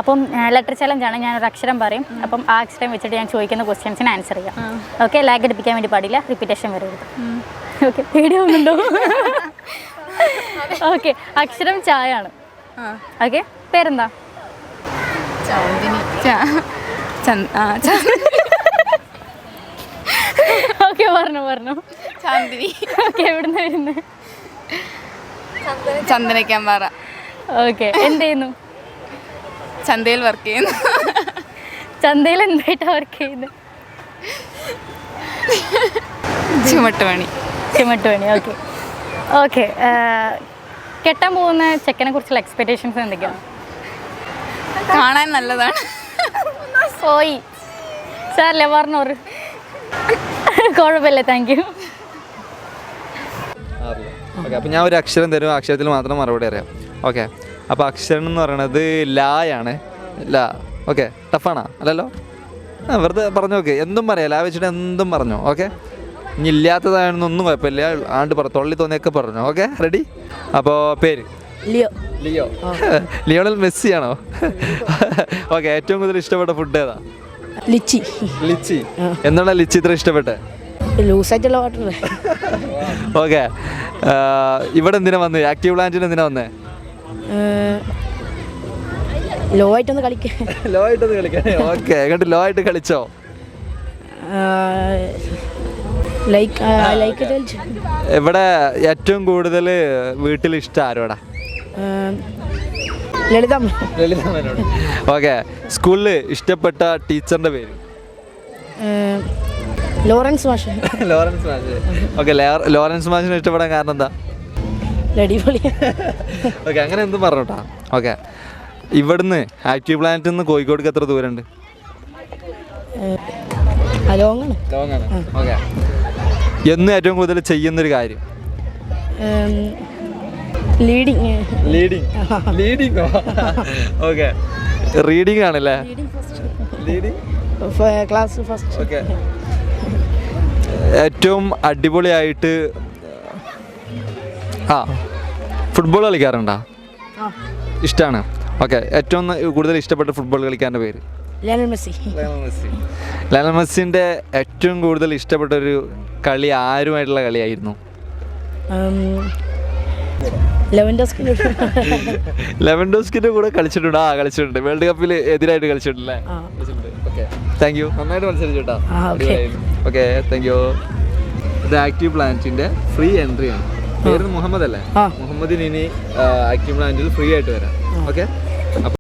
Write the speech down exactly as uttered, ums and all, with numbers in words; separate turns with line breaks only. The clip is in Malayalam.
അപ്പം ലെറ്റർ ചലഞ്ചാണ്. ഞാനൊരു അക്ഷരം പറയും. അപ്പം ആ അക്ഷരം വെച്ചിട്ട് ഞാൻ ചോദിക്കുന്ന ക്വസ്റ്റ്യൻസിന് ആൻസർ ചെയ്യാം. ഓക്കെ, ലാഗ് അടിപ്പിക്കാൻ വേണ്ടി പാടില്ല, റിപ്പീറ്റേഷൻ വരരുത്. ഓക്കെ, പേടിയാവുന്നുണ്ടോ? ഓക്കെ, അക്ഷരം ചായ ആണ്. ഓക്കെ, പേരെന്താ? ഓക്കെ, പറഞ്ഞു പറഞ്ഞു.
ചാന്ദിനി.
ഓക്കെ, എവിടുന്ന് വരുന്നത്?
ചന്ദനക്കാമ്പാറ.
ഓക്കെ, എന്ത് ചെയ്യുന്നു?
ചന്തയിൽ വർക്ക് ചെയ്യുന്നു.
ചന്തയിൽ എന്തായിട്ടാണ് വർക്ക് ചെയ്യുന്നത്?
ചുമട്ടുപണി.
ചുമട്ടുപണി. ഓക്കെ ഓക്കെ കെട്ടാൻ പോകുന്ന ചെക്കനെ കുറിച്ചുള്ള എക്സ്പെക്ടേഷൻസ് എന്തൊക്കെയാണ്?
കാണാൻ നല്ലതാണ്.
പോയി സാറല്ലേ പറഞ്ഞോറ്. കുഴപ്പമില്ല, താങ്ക് യു.
ഓക്കെ, അപ്പോൾ ഞാൻ ഒരു അക്ഷരം തരും, അക്ഷരത്തിൽ മാത്രം മറുപടി അറിയാം. ഓക്കെ, അപ്പോൾ അക്ഷരം എന്ന് പറയണത് ലായാണ്. ലാ. ഓക്കെ, ടഫാണോ? അല്ലല്ലോ, ആ വെറുതെ പറഞ്ഞു. ഓക്കെ, എന്തും പറയാം, ലാ വെച്ചിട്ട് എന്തും പറഞ്ഞു. ഓക്കെ, ഇനി ഇല്ലാത്തതാണെന്നൊന്നും കുഴപ്പമില്ല, ആണ്ട് പറ തൊള്ളി തോന്നിയൊക്കെ പറഞ്ഞു. Okay, ready? അപ്പോൾ പേര്?
ലിയോ.
ലിയോ. ലിയോണൽ മെസ്സി ആണോ? ഓക്കെ, ഏറ്റവും കൂടുതൽ ഇഷ്ടപ്പെട്ട ഫുഡ് ഏതാ?
ലിച്ചി.
ലിച്ചി. എന്താണ് ലിച്ചി ഇത്ര ഇഷ്ടപ്പെട്ടെ?
ലൂസായിട്ടുള്ള വാട്ടർ.
ഓക്കെ, ഇവിടെ എന്തിനാ വന്നത്? ആക്റ്റീവ് പ്ലാന്റിന് എന്തിനാ വന്നേ?
ലോ ആയിട്ടൊന്ന് കളിക്കാൻ.
ലോ ആയിട്ടൊന്ന് കളിക്കാൻ. ഓക്കെ, എന്നിട്ട് ലോ ആയിട്ട് കളിച്ചോ?
ലൈക്ക് ലൈക്ക്
ഇവിടെ ഏറ്റവും കൂടുതൽ വീട്ടിൽ ഇഷ്ടം ആരോടാ?
ലളിതമ്മ.
ലളിതമ്മനോട്. ഓക്കെ, സ്കൂളിൽ ഇഷ്ടപ്പെട്ട ടീച്ചറിന്റെ പേര്?
ലോറൻസ് മാഷ്.
ലോറൻസ് മാഷ്. ഓക്കെ, ലോറൻസ് മാഷിനെ ഇഷ്ടപ്പെടാൻ കാരണം എന്താ?
അടിപൊളി.
ഓക്കെ, അങ്ങനെ എന്തും പറഞ്ഞോട്ടാ. ഓക്കെ, ഇവിടുന്ന് ആക്റ്റീവ് പ്ലാനറ്റിൽ നിന്ന് കോഴിക്കോടേക്ക് എത്ര ദൂരമുണ്ട്?
ലോങ്ങാണ്.
ലോങ്ങാണ്. ഓക്കെ, എന്ന് ഏറ്റവും കൂടുതൽ ചെയ്യുന്നൊരു കാര്യം?
ലീഡിങ്.
ലീഡിങ്. ലീഡിങ്ങോ? ഓക്കെ, റീഡിങ് ആണല്ലേ? ലീഡിങ്.
Class first.
ഓക്കെ, ഏറ്റവും അടിപൊളിയായിട്ട് ആ ഫുട്ബോൾ കളിക്കാറുണ്ടോ? ഇഷ്ടമാണ്. ഓക്കെ, ഏറ്റവും കൂടുതൽ ഇഷ്ടപ്പെട്ട ഫുട്ബോൾ കളിക്കാരൻ്റെ പേര്?
Lionel Messi.
Lionel Messi. Lionel മെസ്സിൻ്റെ ഏറ്റവും കൂടുതൽ ഇഷ്ടപ്പെട്ട ഒരു കളി ആരുമായിട്ടുള്ള കളിയായിരുന്നു?
ലെവൻഡോസ്കിൻ്റെ.
ലെവൻഡോസ്കിൻ്റെ കൂടെ കളിച്ചിട്ടുണ്ട്. ആ കളിച്ചിട്ടുണ്ട്, വേൾഡ് കപ്പിൽ എതിരായിട്ട് കളിച്ചിട്ടുണ്ടല്ലേ? Okay, thank U. നന്നായിട്ട് മത്സരിച്ചു കേട്ടോ. Okay, thank you. ഇത് ആക്റ്റീവ് പ്ലാനറ്റിൻ്റെ ഫ്രീ എൻട്രി ആണ്. പേര് മുഹമ്മദ് അല്ലേ? മുഹമ്മദിന് ഇനി ആക്റ്റീവ് പ്ലാനറ്റിൽ ഫ്രീ ആയിട്ട് വരാം. ഓക്കെ.